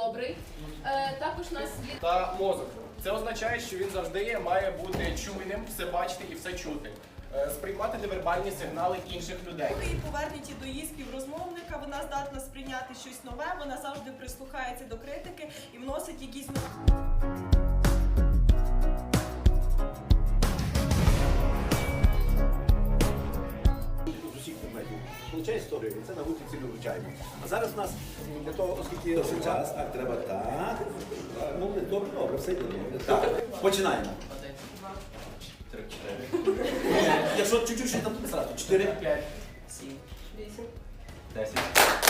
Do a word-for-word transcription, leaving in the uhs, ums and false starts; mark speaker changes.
Speaker 1: добрий. Е, також у нас є
Speaker 2: Та мозок. Це означає, що він завжди має бути чуйним, все бачити і все чути. Е, сприймати невербальні сигнали інших людей.
Speaker 3: Коли її повернуті до її співрозмовника, вона здатна сприйняти щось нове, вона завжди прислухається до критики і вносить якісь нові.
Speaker 4: З усіх предметів. Получає історію, і це на вулиці ми вивчаємо. А зараз у нас для того, оскільки досить час, так, треба так. Ну, добре, добре, все йде добре. Так, починаємо.
Speaker 2: Один, два, три, чотири.
Speaker 4: Якщо чуть-чуть ще там тобі сразу. Чотири.
Speaker 2: П'ять, сім,
Speaker 1: вісім.
Speaker 2: десять.